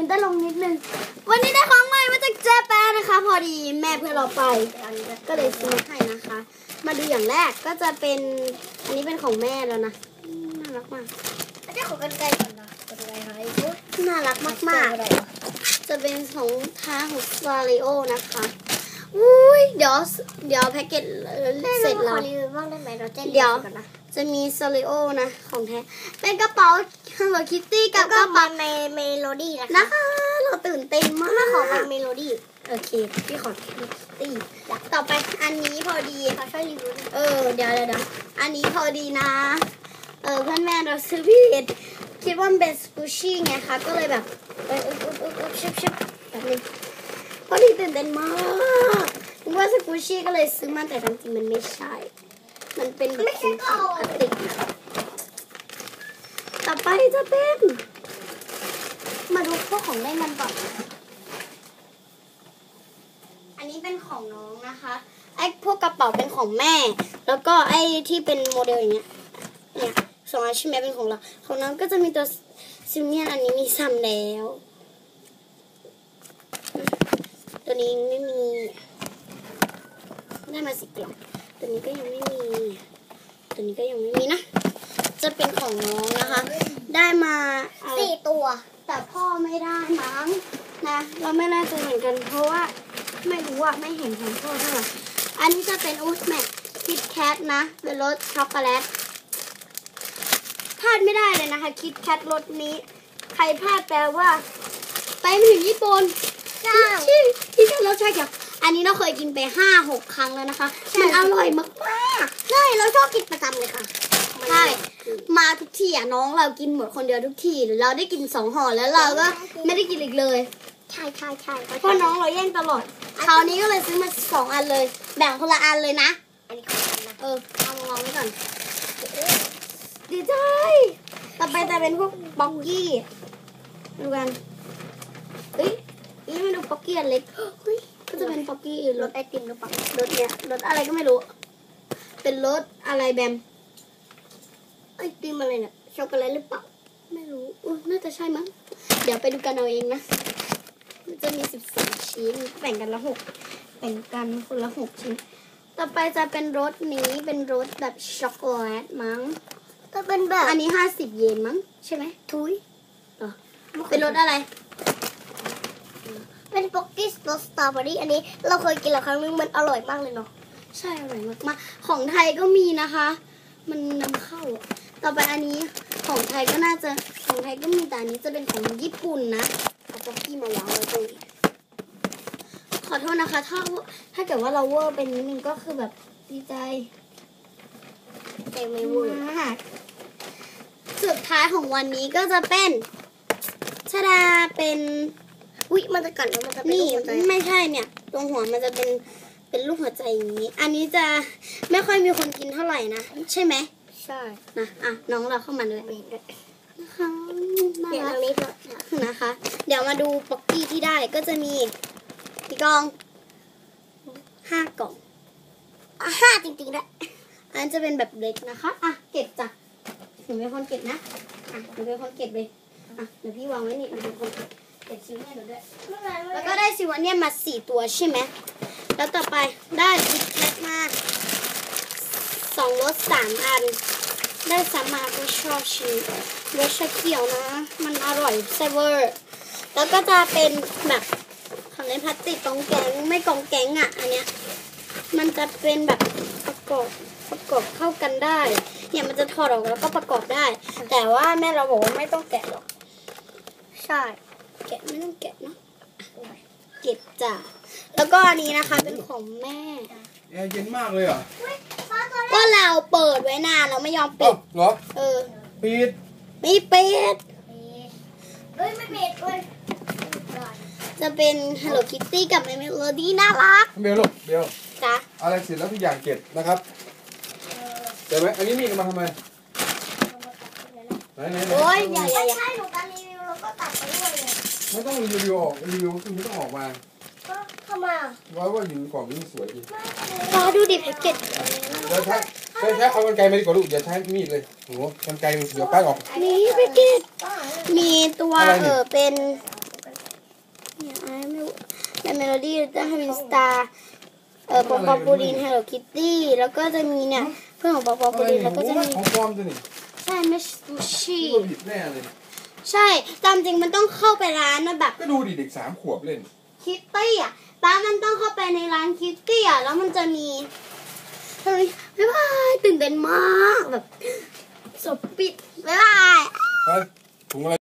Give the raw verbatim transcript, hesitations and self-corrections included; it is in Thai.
ได้ลงนิดนึงวันนี้ได้ของใหม่มาจากเจแปนนะคะพอดีแม่เพื่อนเราไปก็เลยซื้อให้นะคะมาดูอย่างแรกก็จะเป็นอันนี้เป็นของแม่แล้วนะน่ารักมากเจ้าของกันไกลก่อนนะกันไกลหายน่ารักมากๆจะเป็นของท้าของซาริโอนะคะอุ้ยเดี๋ยวเดี๋ยวแพ็กเกจเสร็จแล้วเดี๋ยวจะมีซาริโอนะของแท้เป็นกระเป๋า Hello Kitty กับกระเป๋าเมโลดี้นะคะเราตื่นเต้นมากของเมโลดี้โอเคพี่ขอตีต่อไปอันนี้พอดีเขาช่วยรีวิวเออเดี๋ยวเดี๋ยวอันนี้พอดีนะเออเพื่อนแม่เราซื้อผิดคิดว่ามันเป็นสกูชี่ไงคะก็เลยแบบเอออึ๊บอึ๊บอึ๊บอึ๊บชิบชิบแบบนี้พอดีตื่นเต้นมากนึกว่าสกูชี่ก็เลยซื้อมาแต่จริงๆมันไม่ใช่มันเป็นแบบสีพลาสติกนะต่อไปจะเป็นมาดูพวกของเล่นมันก่อนอันนี้เป็นของน้องนะคะไอ้พวกกระเป๋าเป็นของแม่แล้วก็ไอ้ที่เป็นโมเดลอย่างเงี้ยเนี่ยสองอันใช่ไหมเป็นของเราของน้องก็จะมีตัวซิมเนียนอันนี้มีซ้ำแล้วตัวนี้ไม่มีได้มาสิบกล่องตัวนี้ก็ยังไม่มีตัวนี้ก็ยังไม่มีนะจะเป็นของน้องนะคะได้มาสี่ตัวแต่พ่อไม่ได้มั้งนะเราไม่แน่ใจเหมือนกันเพราะว่าไม่รู้ว่าไม่เห็นของพ่อเท่าไหร่อันนี้จะเป็นอูสแม็กคิดแคทนะเป็นรสช็อกโกแลตพลาดไม่ได้เลยนะคะคิดแคทรสนี้ใครพลาดแปลว่าไปไม่ถึงญี่ปุ่นใช่ที่ที่รสชาติแบบอันนี้เราเคยกินไปห้าหกครั้งแล้วนะคะมันอร่อยมากมากใช่เราชอบกินประจำเลยค่ะใช่มาทุกทีอ่ะน้องเรากินหมดคนเดียวทุกทีเราได้กินสองห่อแล้วเราก็ไม่ได้กินอีกเลยใช่ใช่ใช่เพราะน้องเราแย่งตลอดคราวนี้ก็เลยซื้อมาสองอันเลยแบ่งคนละอันเลยนะอันนี้ของฉันนะเออเอามาวางไว้ก่อนดีใจต่อไปจะเป็นพวกบ็อกกี้ดูกันเฮ้ยนี่ไม่ดูบ็อกกี้อันเล็กเฮ้ยก็จะเป็นบ็อกกี้รสไอติมหรือเปล่ารสเนี้ยรสอะไรก็ไม่รู้เป็นรสอะไรแบมไอติมอะไรเนี่ยช็อกโกแลตหรือเปล่าไม่รู้อุ้ยน่าจะใช่มั้งเดี๋ยวไปดูกันเอาเองนะจะมีสิบสองชิ้นแบ่งกันละหกแบ่งกันคนละหกชิ้นต่อไปจะเป็นรสนี้เป็นรสแบบช็อกโกแลตมั้งก็เป็นแบบอันนี้ห้าสิบเยนมั้งใช่ไหมทุยเหรอเป็นรสอะไรเป็นป๊อกกี้รสสตรอเบอรี่อันนี้เราเคยกินแล้วครั้งนึงมันอร่อยมากเลยเนาะใช่อร่อยมากมากของไทยก็มีนะคะมันนำเข้าต่อไปอันนี้ของไทยก็น่าจะของไทยก็มีแต่อันนี้จะเป็นของญี่ปุ่นนะเอาป๊อกกี้มาวางไว้ตรงนี้ขอโทษนะคะถ้าถ้าเกิดว่าเราเวอร์เป็นนิดนึงก็คือแบบดีใจแต่ไม่เวอร์มากสุดท้ายของวันนี้ก็จะเป็นชดาเป็นอุ๊ยมันจะกัดแล้วมันจะเป็นนี่ไม่ใช่เนี่ยตรงหัวมันจะเป็นเป็นรูปหัวใจอย่างนี้อันนี้จะไม่ค่อยมีคนกินเท่าไหร่นะใช่ไหมใช่นะอ่ะน้องเราเข้ามาเลยนะคะเดี๋ยวนี้นะคะ เดี๋ยวมาดูป๊อกกี้ที่ได้ก็จะมีกี่กล่องห้ากล่องอ่ะห้าจริงๆด้วยอันนั้นจะเป็นแบบเล็กนะคะอ่ะเก็บจ้ะหนูเป็นคนเก็บนะอ่ะหนูเป็นคนเก็บเลยอ่ะเดี๋ยวพี่วางไว้นี่หนูเป็นคนเก็บซิวเนี่ยหนูด้วยแล้วก็ได้ซิวเนี่ยมาสี่ตัวใช่ไหมแล้วต่อไปได้คิดแคทมาสองรสสามอันได้สามมาก็ชอบชิมรสชาเขียวนะมันอร่อยแซ่บเวอร์แล้วก็จะเป็นแบบของในพลาสติกกองแกงไม่กองแกงอ่ะอันเนี้ยมันจะเป็นแบบประกอบประกอบเข้ากันได้เนี่ยมันจะถอดออกแล้วก็ประกอบได้แต่ว่าแม่เราบอกว่าไม่ต้องแกะหรอกใช่แกะไม่ต้องแกะเนาะเก็บจ้ะแล้วก็อันนี้นะคะเป็นของแม่แอร์เย็นมากเลยอ่ะก็เราเปิดไว้นานเราไม่ยอมปิดเหรอเออปิดไม่ปิดเฮ้ยไม่ปิดเว้ยจะเป็น Hello Kitty กับ Melody น่ารักเบลลูกเบลจ้ะอะไรเสร็จแล้วทุกอย่างเก็บนะครับเดี๋ยวไหมอันนี้มีมาทำไมไหนไหนโอ้ยอย่าอย่าอย่าใช่หนูการรีวิวเราก็ตัดไปด้วยเลยไม่ต้องรีวิวออกรีวิวคือไม่ต้องออกมาก็ทำไมอ่ะร้อยว่าอยู่กล่องนี้สวยดีรอดูดิแพ็กเกจเดี๋ยวใช้ใช้ใช้เอากรรไกรมาดีกว่าลูกอย่าใช้มีดเลยโหกรรไกรเดี๋ยวป้ายออกนี่แพ็กเกจมีตัวเออเป็นไม่ในเมโลดี้จะให้เป็นสตาร์เอ่อปอปอปูลินเฮลโลคิตตี้แล้วก็จะมีเนี่ยเพื่อนของปอปอปูลินแล้วก็จะมีของปลอมตัวนี่ใช่ไม่ซูชิตัวผิดแน่เลยใช่ตามจริงมันต้องเข้าไปร้านนะแบบก็ดูดิเด็กสามขวบเล่นคิตตี้อ่ะตามมันต้องเข้าไปในร้านคิตตี้อ่ะแล้วมันจะมีเฮ้ยบ๊ายบายตื่นเต้นมากแบบสบปิดบ๊ายบายเฮ้ยถุงอะไร